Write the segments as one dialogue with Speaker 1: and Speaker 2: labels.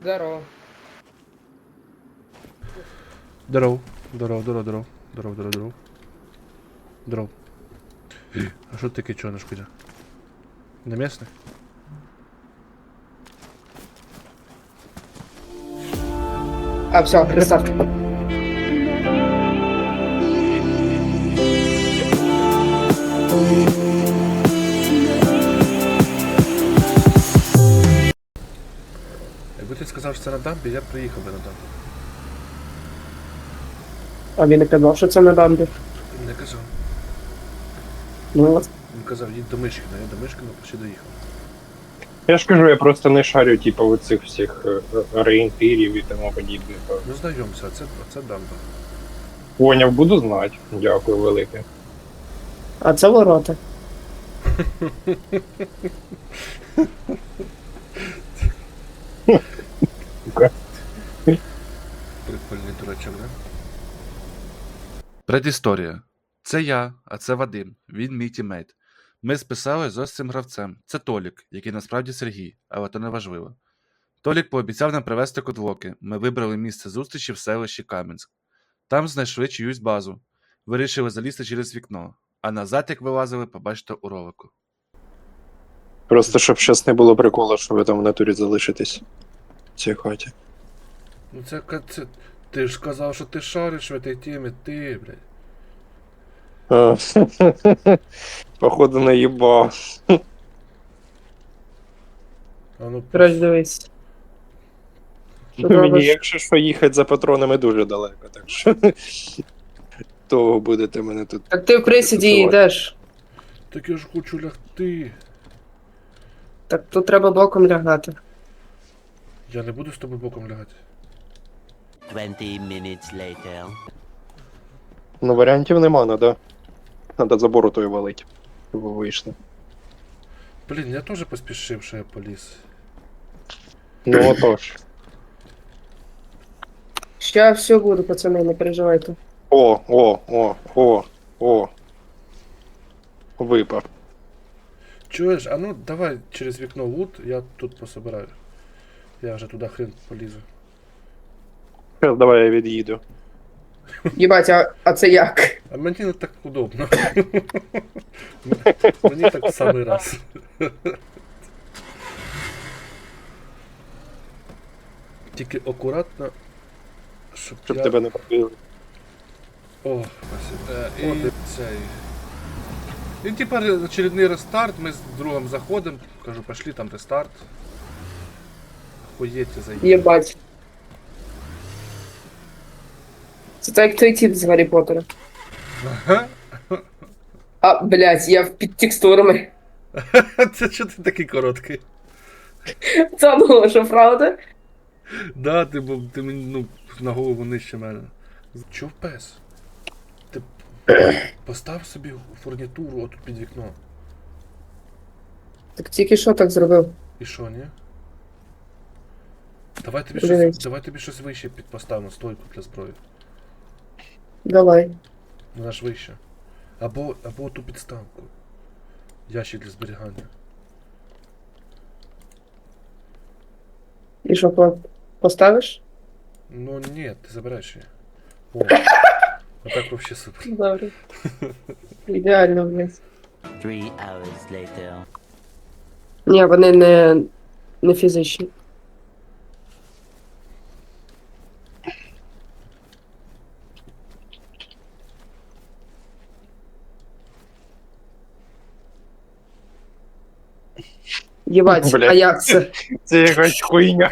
Speaker 1: Здорово.
Speaker 2: Здоров. Здоров. А що таке чорниш куди? Не місний?
Speaker 1: А, все, рестарт.
Speaker 2: Якби ти сказав, що це на дамбі, я б приїхав би на дамбі.
Speaker 1: А він не казав, що це на дамбі.
Speaker 2: Не казав.
Speaker 1: Ну, от.
Speaker 2: Він казав, їдь до Мишкіна, я до Мишкіна почти доїхав.
Speaker 3: Я ж кажу, я просто не шарю, типу, оцих всіх орієнтирів і тому подібне.
Speaker 2: Ну знайомся, це дамба.
Speaker 3: Поняв, буду знати. Дякую велике.
Speaker 1: А це ворота.
Speaker 2: Прикольний дурачок, да? Предісторія. Це я, а це Вадим. Він мій тімейт. Ми списали з ось цим гравцем. Це Толік, який насправді Сергій, але то не важливо. Толік пообіцяв нам привезти кодлоки. Ми вибрали місце зустрічі в селищі Кам'янськ. Там знайшли чиюсь базу. Вирішили залізти через вікно. А назад, як вилазили, побачите у ролику.
Speaker 3: Просто щоб щас не було приколу, що ви там в натурі залишитесь в цій хаті.
Speaker 2: Ну це ти ж сказав, що ти шариш в цій темі, ти, блядь.
Speaker 3: А, Походу наїбав.
Speaker 2: А ну,
Speaker 1: Коротше, дивись. Що
Speaker 3: Мені,
Speaker 1: робиш?
Speaker 3: якщо що, їхати за патронами дуже далеко, так що того будете мене тут.
Speaker 1: Так ти в присіді йдеш.
Speaker 2: так я ж хочу лягти.
Speaker 1: Так тут треба боком лягати.
Speaker 2: Я не буду з тобою боком лягати.
Speaker 4: 20 minutes later.
Speaker 3: Ну, варіантів нема, надо забору той валить, щоб ви вийшли.
Speaker 2: Блін, я теж поспішив, що я поліз.
Speaker 3: Ну отож.
Speaker 1: Ща все буде, пацани, не переживайте.
Speaker 3: О. Випав.
Speaker 2: Чуєш, а ну давай через вікно лут, я тут пособираю. Я вже туди хрен полізу.
Speaker 3: Зараз давай я від'їду.
Speaker 1: Єбать, а це як?
Speaker 2: А мені не так удобно. Мені так в самий раз. Тільки акуратно, щоб
Speaker 3: Щоб тебе не пробили.
Speaker 2: О, спасибо. І цей. І тепер очередний рестарт, ми з другом заходимо, кажу, пошли там рестарт. Охуєть, заїдемо.
Speaker 1: Єбать. Це так як той тип з Гаррі Поттера.
Speaker 2: Ага.
Speaker 1: А, блядь, я під текстурами.
Speaker 2: Це що ти такий короткий?
Speaker 1: Це було, що правда?
Speaker 2: Да, ти мені, ну, на голову нижче мене. Чув пес? Ти постав собі фурнітуру отут під вікно.
Speaker 1: Так тільки що так зробив?
Speaker 2: І що, ні? Давай тобі щось вище підпоставимо, стойку для зброї.
Speaker 1: Давай.
Speaker 2: Вона ж вище. Або ту підставку. Ящик для зберігання.
Speaker 1: І що, поставиш?
Speaker 2: Ну ні, ти забираєш її. О, отак вообще супер.
Speaker 1: Добре. Ідеально, блядь.
Speaker 4: 3 hours later.
Speaker 1: Ні, вони не фізичні. Єбать,
Speaker 3: Блядь.
Speaker 1: а як це?
Speaker 3: Це якась хуйня.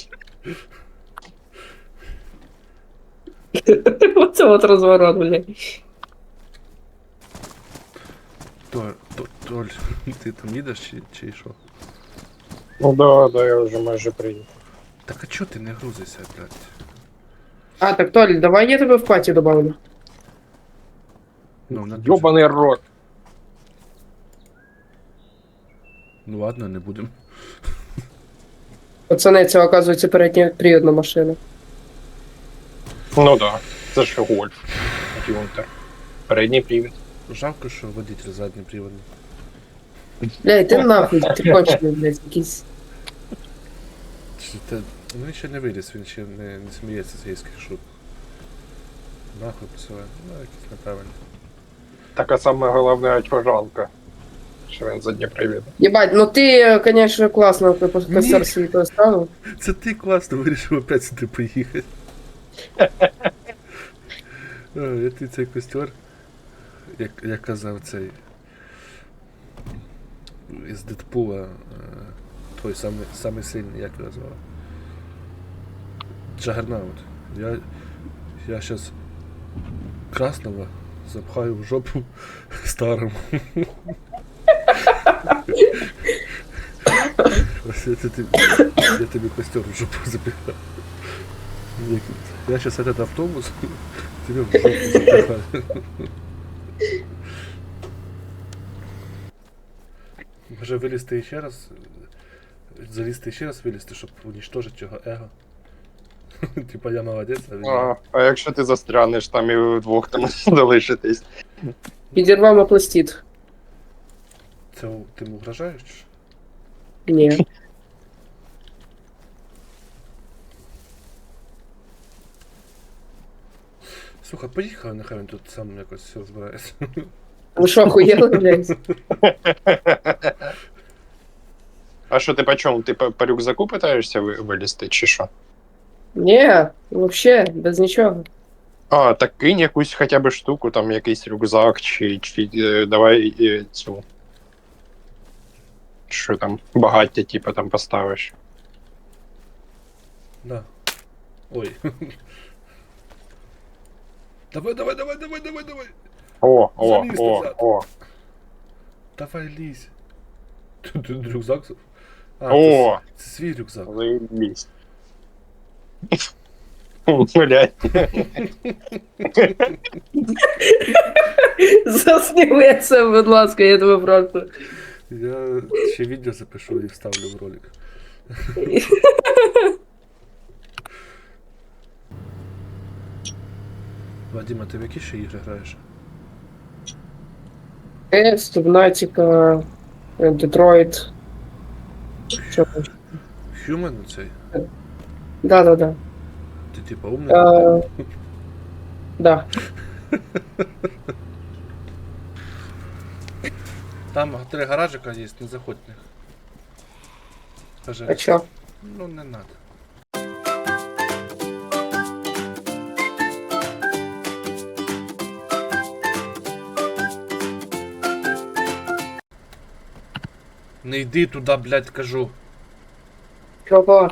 Speaker 1: Оце от розворот, блядь.
Speaker 2: Толь, ти там їдеш чи що?
Speaker 3: Ну да, я вже майже приїхав.
Speaker 2: Так а чо ти не грузишся, блядь?
Speaker 1: А, так, Толь, давай я тебе в паті добавлю.
Speaker 2: Ну, на
Speaker 3: Йобаний рот.
Speaker 2: Ну ладно, не будемо.
Speaker 1: Пацани, це, оказується, передньопривідна машина.
Speaker 3: Ну да, це ж гольф. Юнтер. Передній привід.
Speaker 2: Жалко, що водитель задній приводний.
Speaker 1: Блядь, ти нахуй, ти кончений, блядь, якийсь.
Speaker 2: Чи ти Ну він ще не виліз, він ще не сміється з гейських шуток. Нахуй посилає. Ну, якісь неправильні.
Speaker 3: Така саме головна очважанка. Що він за Дніпро їде.
Speaker 1: Єбать, ну ти, конечно, класно костер свій поставив.
Speaker 2: Це ти класно вирішив опять сюди поїхати. Я ти цей костер, як казав цей із Дедпула, той самий сильний, як його звали? Джагернаут. Я щас красного запхаю в жопу старому. Ось я тобі костер в жопу запихаю. Я сейчас этот автобус тебе в жопу запихаю. Може вилізти ще раз, залізти ще раз вилізти, щоб уничтожити його его. Типа я молодець, а він...
Speaker 3: А якщо ти застрянеш там і ви вдвох там залишитесь?
Speaker 1: Підірвав пластит.
Speaker 2: Це ти йому угрожаєш? Чи що?
Speaker 1: Ні.
Speaker 2: Слухай, поїхав, нехай він тут сам якось все розбирається.
Speaker 1: Ви що, охуєли, блядь?
Speaker 3: А що ти по чому? Ти по рюкзаку питаєшся вилізти, чи що?
Speaker 1: Ні, вообще, без нічого.
Speaker 3: А, так кинь якусь хоча б штуку, там якийсь рюкзак, чи давай цю. Що там, багаття, типу, там поставиш.
Speaker 2: Да. Ой. Давай. Залізь назад.
Speaker 3: О.
Speaker 2: Давай лізь. Тут рюкзак. А,
Speaker 3: О!
Speaker 2: це свій рюкзак.
Speaker 3: Заебись. Блять.
Speaker 1: Засніми це, будь ласка, я тебе прошу.
Speaker 2: Я ще відео запишу і вставлю в ролик. Вадима, ти в які ще ігри граєш?
Speaker 1: Subnautica, Detroit. Що там?
Speaker 2: Human цей?
Speaker 1: Да.
Speaker 2: Ти типа умний?
Speaker 1: Да.
Speaker 2: Там 3 гаражика є, не заходь в них. Скажи,
Speaker 1: А чо?
Speaker 2: ну не надо. Не йди туди, блядь, кажу.
Speaker 1: Чого?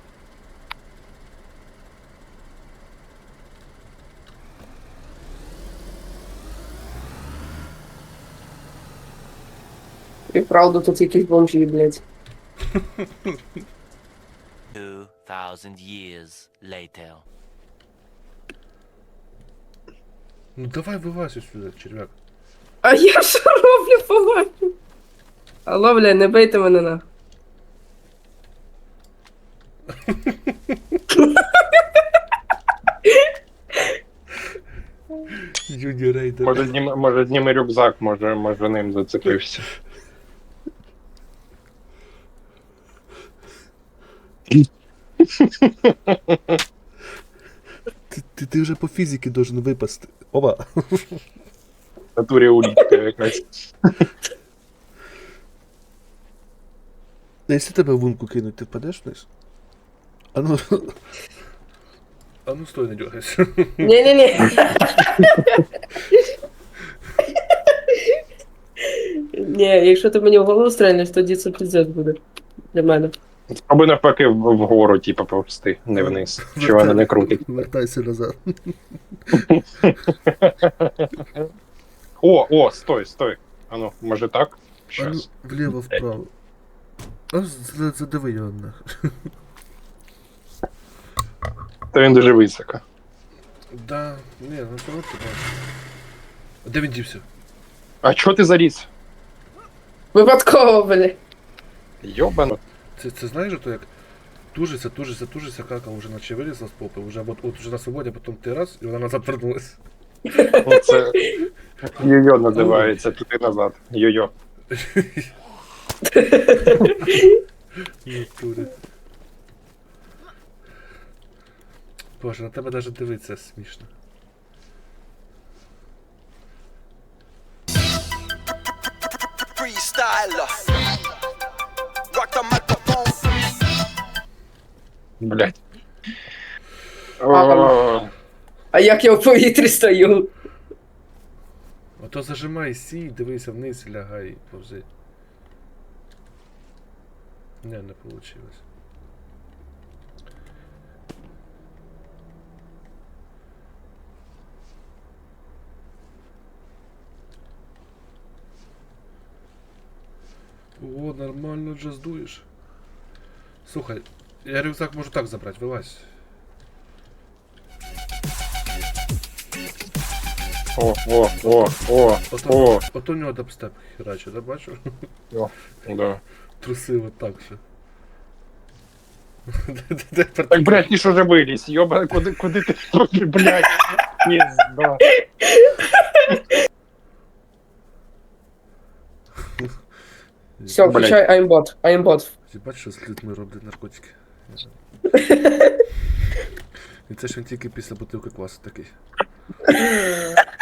Speaker 1: І правда, тут якісь бомжі, блядь.
Speaker 4: 2,000 years later.
Speaker 2: Ну давай вилазь сюди, черв'як.
Speaker 1: А я що роблю, побачу? Алло, блядь, не бийте мене на.
Speaker 2: Юні рейдер.
Speaker 3: Може зніми рюкзак, може ним зацепився.
Speaker 2: Ти вже по фізиці должен випасти. Опа.
Speaker 3: В натурі улітка якась.
Speaker 2: А якщо тебе в лунку кинуть, ти впадеш вниз? А ну стой, не дергайся.
Speaker 1: Ні-ні-ні. Ні, якщо ти мені в голову стрельнеш, тоді це піздець буде. Для мене.
Speaker 3: Або навпаки вгору, типу, повсти, не вниз. Чи вона не крутить.
Speaker 2: Вертайся назад.
Speaker 3: О, стой. Ану, може так?
Speaker 2: А ну,
Speaker 3: Щас.
Speaker 2: вліво, вправо. А задави його нахер.
Speaker 3: Та він дуже високо.
Speaker 2: Да, ні, ну то от ти. А де він дівся?
Speaker 3: А чого ти заліз?
Speaker 1: Випадково, блядь.
Speaker 3: Йобано.
Speaker 2: Це знаєш, то як тужиться, кака вже наче вилізла з попи, вже от уже на свободі, а потім ти раз, і вона назад вернулась.
Speaker 3: Це йо-йо називається, туди назад. Йо-йо.
Speaker 2: Натурі. Боже, на тебе навіть дивитися смішно.
Speaker 5: Freestyler. Rock the microphone.
Speaker 3: Блять. О,
Speaker 1: А як я в повітрі стою?
Speaker 2: Ото зажимай сі, дивися вниз, лягай і повзи. Не получилось. О, нормально джаздуєш. Слухай, я рюкзак можу так забрати, вилазь.
Speaker 3: о.
Speaker 2: Ото у нього дабстеп хераче, да бачу?
Speaker 3: Да.
Speaker 2: Трусив отак ще.
Speaker 3: Так, блядь, ніж уже виліз, йоба, куди ти, блядь, пізда.
Speaker 1: Все, включай aimbot. Aimbot.
Speaker 2: Ти бачиш, що з людьми роблять наркотики? І це ж він тільки після бутилки квасу такий.